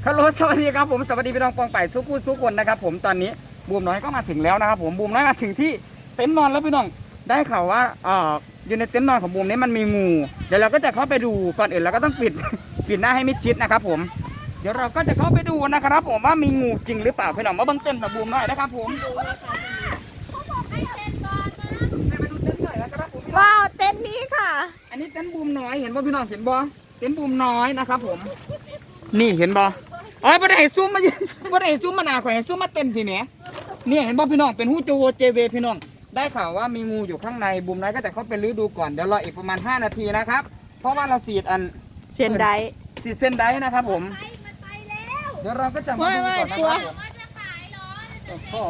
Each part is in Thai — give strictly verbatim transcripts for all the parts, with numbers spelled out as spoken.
ฮัลโหลสวัสดีครับผมสวัสดีพี่น้องปองไปสู้กู้สู้คนนะครับผมตอนนี้บูมน้อยก็มาถึงแล้วนะครับผมบูมน้อยมาถึงที่เต็นท์นอนแล้วพี่น้องได้ข่าวว่าเอ่ออยู่ในเต็นท์นอนของบูมนี้มันมีงูเดี๋ยวเราก็จะเข้าไปดูก่อนอื่นเราก็ต้องปิดปิดหน้าให้มิดชิดนะครับผมเดี๋ยวเราก็จะเข้าไปดูนะครับผมว่ามีงูจริงหรือเปล่าพี่น้องมาเบิ้งเต็นท์ของบูมน้อยนะครับผมว้าวเต็นท์นี้ค่ะอันนี้เต็นท์บูมน้อยเห็นว่าพี่น้องเห็นบ่เต็นท์บูมน้อยนะครับผมนี่เห็นบ่อ๋อบ่ได้ให้ซูมมาบ่ได้ให้ซูมมาหน้าข่อยให้ซูมมาเต็นท์พี่แหมเนี่ยเห็นบ่พี่น้องเป็นฮู้โจโวเจเวพี่น้องได้ข่าวว่ามีงูอยู่ข้างในบูมน้อยก็จะเข้าไปลื้อดูก่อนเดี๋ยวรออีกประมาณห้านาทีนะครับเพราะว่าเราสีดอันเส้นได้สีดเส้นได้นะครับผมเดี๋ยวเราก็จะมาดูก่อนนะครับผมโอ้โห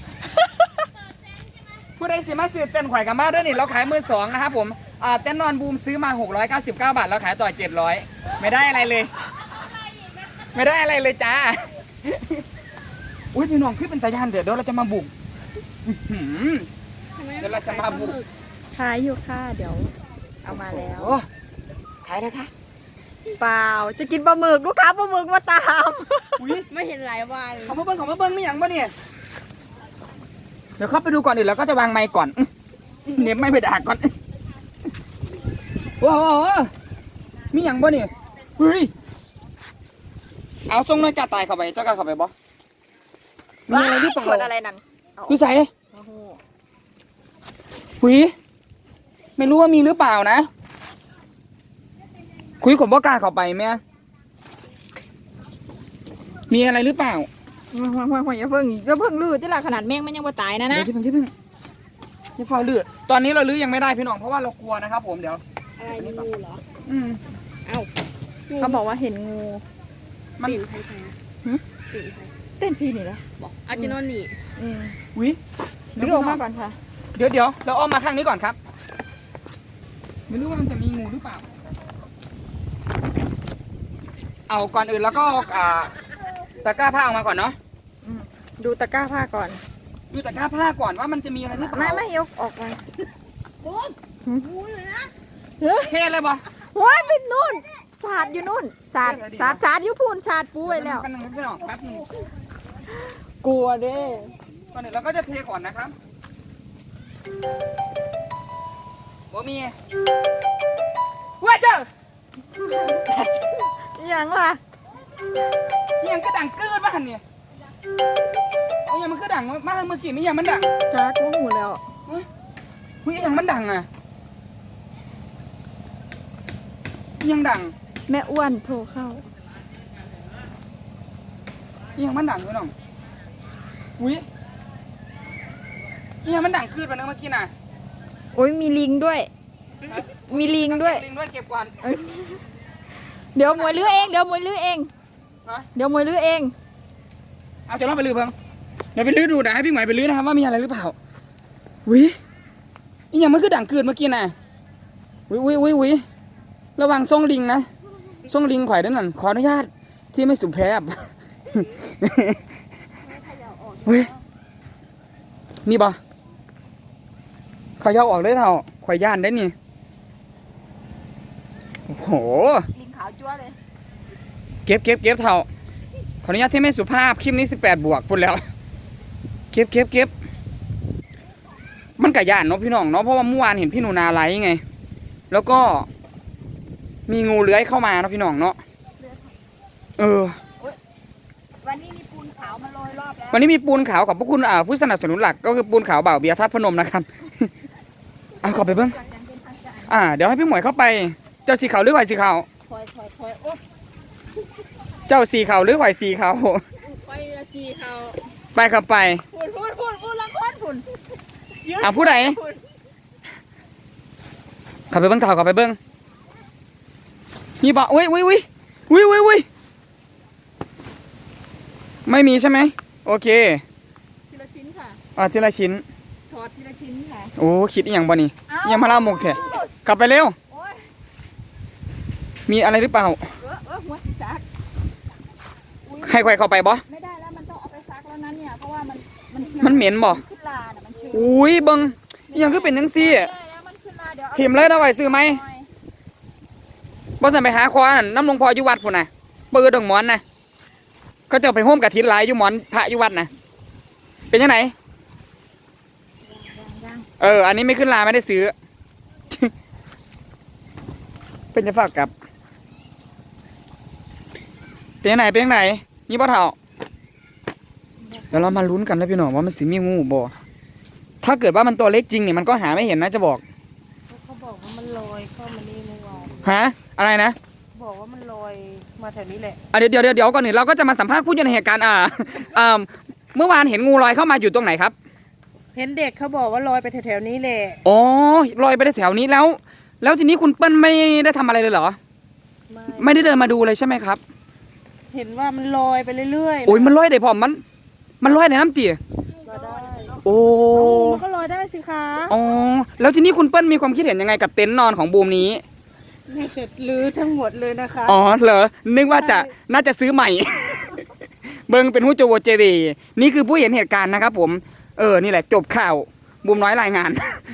ผู้ใดสิมาซื้อเต็นท์ข่อยกับมาด้วยนี่เราขายมือสองนะครับผมอ่าเต็นท์นอนบูมซื้อมาหกร้อยเก้าสิบเก้าบาทเราขายต่อเจ็ดร้อยไม่ได้อะไรเลยไม่ได้อะไรเลยจ้าอุ้ยพี่น้องขึ้นเป็นตาย่านเดี๋ยวเราจะมาบุกเดี๋ยวเราจะมาบุกขายอยู่ค่ะเดี๋ยวเอามาแล้วขายแล้วค่ะเปล่าจะกินปลาหมึกลูกค้าปลาหมึกมาตามอุ้ยไม่เห็นหลายวันเขามาเบิ้งเขามาเบิ้งไม่อย่างบ่เนี่ยเดี๋ยวเข้าไปดูก่อนดิแล้วก็จะวางไมค์ก่อนเน็บไม่ไปด่าก่อนว้าวมีอย่างบ่เนี่ยเฮ้ยเอาทรงน้อยกาตายเข้าไปเจ้ากาเข้าไปบ่มีอะไรหรือเปล่าอะไรนั่นดูใส่หุยไม่รู้ว่ามีหรือเปล่านะคุยผมบ่กล้าเข้าไปแม่มีอะไรหรือเปล่าห่วยห่วยห่วยอย่าเพิ่งอย่าเพิ่งลื้อที่ละขนาดแมงมันยังบ่ตายนะนะที่เพิ่งที่เพิ่งที่เฝ้าลื้อตอนนี้เราลื้อยังไม่ได้พี่น้องเพราะว่าเรากลัวนะครับผมเดี๋ยวอะไรงูเหรออืมเอ้าเขาบอกว่าเห็นงูมันตีนใครใช่ตีนใครเต้นพี่นี่แหละบอกอาจินอนนี่อืมวิลื้อออกมาก่อนค่ะเดี๋ยวเดี๋ยวเราอ้อมมาข้างนี้ก่อนครับไม่รู้ว่ามันจะมีงูหรือเปล่าเอาก่อนอื่นแล้วก็อ่าตะกร้าผ้าออกมาก่อนเนาะดูตะกร้าผ้าก่อนดูตะกร้าผ้าก่อนว่ามันจะมีอะไรหรือเปล่าไม่ไม่ยกออกมางูเลยนะเท่เลยบ่ว้ายไปนู่นสาดอยู่นู่นสาดสาดสาดอยู่พูนสาดปูไว้แล้วกันหนึ่งพี่น้องแป๊บนึงกลัวเด้ก่อนอื่นเราก็จะเทก่อนนะครับบ่มีว้าเจ้าอย่างล่ะยังก็ดังเกินมาหันเนี่ยเอายังมันก็ดังมาเมื่อกี้ไม่ยังมันดังจักว่าหูแล้วเฮ้ยยังมันดังอ่ะยังดังแม่อ้วนโทรเข้ายังมันดังพี่น้องอุ้ยยังมันดังคืนไปนึงเมื่อกี้น่ะโอ้ยมีลิงด้วยมีลิงด้วยลิงด้วยเก็บก่อนเดี๋ยวมวยลื้อเองเดี๋ยวมวยลื้อเองเดี๋ยวมวยลื้อเองเอาจะลองไปลื้อเพิ่งเดี๋ยวไปลื้อดูนะให้พี่หมายไปลื้อนะครับว่ามีอะไรหรือเปล่าวินี่ยังมันคือดังคืนเมื่อกี้น่ะวิวิวิวิระวังส่งลิงนะส่งลิงข่อยด้วยนั่นขออนุญาตที่ไม่สุภาพเฮ้ยนี่บ่เขาย่อออกเลยเท่าข่อยย่านได้นี่โอ้โหลิงขาวจั๊วเลยเก็บเก็บเก็บเท่าขออนุญาตที่ไม่สุภาพคลิปนี้สิบแปดบวกพูดแล้วเก็บเก็บเก็บมันกะย่านเนาะพี่น้องเนาะเพราะว่าเมื่อวานเห็นพี่หนูนาไลฟ์ไงแล้วก็มีงูเลื้อยเข้ามาเนาะพี่น้องเนาะเออวันนี้มีปูนขาวมาโรยรอบแล้ววันนี้มีปูนขาวกับพวกคุณอ่าผู้สนับสนุนหลักก็คือปูนขาวบ่าวเบียร์ทัดพนมนะครับเอาเข้าไปเบิ้งอ่าเดี๋ยวให้พี่หมวยเข้าไปเจ้าสีขาวหรือไหวสีขาวเจ้าสีขาวหรือไหวสีขาวไปละสีขาวไปเข้าไปพูดพูดพูดพูดละคนพูดอ่าผู้ใดเข้าไปเบิ้งเท่าเข้าไปเบิ้งมีบ่อุ้ยอุ้ยอุ้ยอุ้ยอุ้ยอุ้ยไม่มีใช่ไหมโอเคทีละชิ้นค่ะอ่าทีละชิ้นทอดทีละชิ้นค่ะโอ้คิดอย่างบ่นี่ยังมาเล่าหมกเถอะกลับไปเร็วมีอะไรหรือเปล่าเออเออหัวสีซักใครใครเข้าไปบ่ไม่ได้แล้วมันต้องเอาไปซักแล้วนั้นเนี่ยเพราะว่ามันมันมันเหม็นบ่อุ้ยบังยังคือเป็นยังซี่เข็มเลยนะไหวซื้อไหมบ่สั่นไปหาควานน้ำลงพออยู่วัดพุ่นน่ะเปิดดอกหมอนน่ะเขาจะไปโฮมกับทิศหลายอยู่หมอนพระอยู่วัดนะเป็นยังไงเอออันนี้ไม่ขึ้นลาไม่ได้ซื้อ เป็นจะฝากกับ เป็นยังไงเป็นยังไงนี่บ่เท่าเดี๋ยวเรามาลุ้นกันแล้วพี่น้องว่ามันสิมีงูบ่ถ้าเกิดว่ามันตัวเล็กจริงเนี่ยมันก็หาไม่เห็นนะจะบอกเขาบอกว่ามันลอยเข้ามานี่เมื่อวานฮะอะไรนะบอกว่ามันลอยมาแถวนี้แหละอ่ะเดี๋ยวเดี๋ยวเดี๋ยวก่อนหนึ่งเราก็จะมาสัมภาษณ์ผู้อยู่ในเหตุการณ์อ่าอ่าเมื่อวานเห็นงูลอยเข้ามาอยู่ตรงไหนครับเห็นเด็กเขาบอกว่าลอยไปแถวๆนี้แหละอ๋อลอยไปได้แถวนี้แล้ว แล้วทีนี้คุณเปิ้ลไม่ได้ทำอะไรเลยเหรอไม่ไม่ได้เดินมาดูเลยใช่ไหมครับเห็นว่ามันลอยไปเรื่อยๆโอ้ยมันลอยได้พอมัน มันลอยในน้ำตีลอยได้โอ้มันก็ลอยได้สิคะอ๋อแล้วทีนี้คุณเปิ้ลมีความคิดเห็นยังไงกับเต็นท์นอนของบูมนี้น่าจะลื้อทั้งหมดเลยนะคะอ๋อเหรอนึกว่าจะน่าจะซื้อใหม่ เบิงเป็นผู้โจโวเจวีนี่คือผู้เห็นเหตุการณ์นะครับผมเออนี่แหละจบข่าวบูมน้อยรายงาน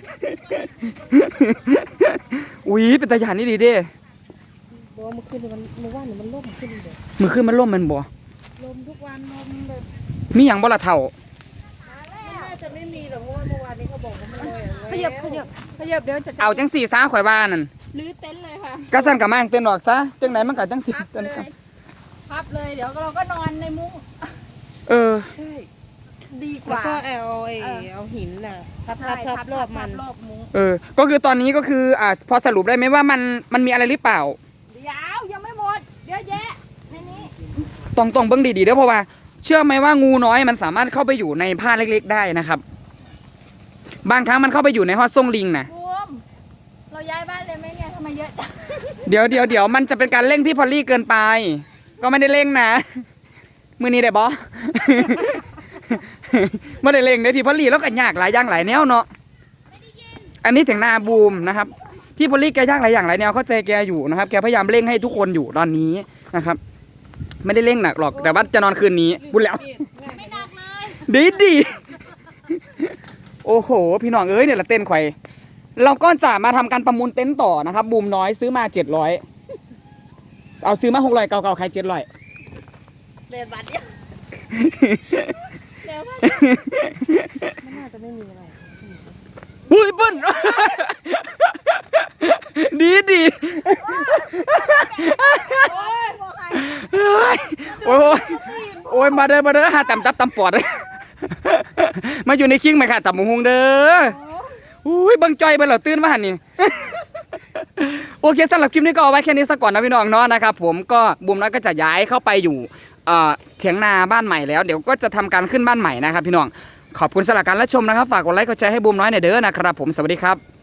อุ้ยเป็นตาหยานนี่ดีเด้บอกว่าเมื่อคืนนี่มันเมื่อวานนี่มันล่มขึ้นเลยมือขึ้นมันล่มมันบ่ลมทุกวันลมแบบมีอย่างบ่ละเท่ามันน่าจะไม่มีหรอกเพราะว่าเมื่อวานนี้เขาบอกว่ามันลอยอะขยับขยับขยับเดี๋ยวจะเอาจังสี่ซ้าข่อยบ้านนั่นลื้อเต็นท์เลยค่ะก็สั่นกับมางเต้นออกซะจังไหนมันก็จังสี่พับเต้นเลยครับพับเลยเดี๋ยวเราก็นอนในมุ้งเออใช่ดีกแล้วว่าก็เอาไอ้เออเอาหินน่ะทับใช่ทับทับรอบมันรอบมุ้งเออ ก็คือตอนนี้ก็คืออ่าพอสรุปได้ไหมว่ามันมันมีอะไรหรือเปล่าเดี๋ยวยังไม่หมดเยอะแยะในนี้ต้องต้องเบิ้งดีๆเด้อเพราะว่า เชื่อไหมว่างูน้อยมันสามารถเข้าไปอยู่ในผ้าเล็กๆได้นะครับ บางครั้งมันเข้าไปอยู่ในห้อส่งลิงนะบูมเราย้ายบ้านเลยไหมเนี่ยทำไมเยอะจังเดี๋ยวเดี๋ยวเดี๋ยวมันจะเป็นการเร่งพี่พอลลี่เกินไป ก็ไม่ได้เร่งนะ มือนี้ได้บอ ไม่ได้เร่งเด้อพี่พอลลี่แล้วก็ยากหลายอย่างหลายแนวเนาะอันนี้ถึงหน้าบูมนะครับพี่พอลลี่แกยากหลายอย่างหลายแนวเข้าใจแกอยู่นะครับแกพยายามเร่งให้ทุกคนอยู่ตอนนี้นะครับ ไม่ได้เร่งหนักหรอกแต่ว่าจะนอนคืนนี้บุญแล้วไม่หนักเลยดีดีโอ้โห พี่น้องเอ้ยเนี่ยละเต้นไข่เราก็จะมาทำการประมูลเต็นท์ต่อนะครับบูมน้อยซื้อมาเจ็ดร้อยเอาซื้อมาหกร้อยเก่าๆใครเจ็ดร้อยเดินบัดเดียวเดี๋ยวมันน่าจะไม่มีอะไรอุ้ยเปิ้ล ดีดีเฮ้ยโอ้ยโอ้ยมาเด้อมาเด้อหาตำตับตำปอด มาอยู่ในคิงไหมค่ะตำหมูฮงเด้ออุ้ยบังจอยไปเหรอตื่นมาหันนี่ โอเคสำหรับคลิปนี้ก็เอาไว้แค่นี้สักก่อนนะพี่น้องเนาะนะครับผมก็บูมน้อยก็จะย้ายเข้าไปอยู่เอ่อเถียงนาบ้านใหม่แล้วเดี๋ยวก็จะทำการขึ้นบ้านใหม่นะครับพี่น้องขอบคุณสำหรับการรับชมนะครับฝากกดไลค์กดแชร์ให้บูมน้อยหน่อยเด้อนะครับผมสวัสดีครับ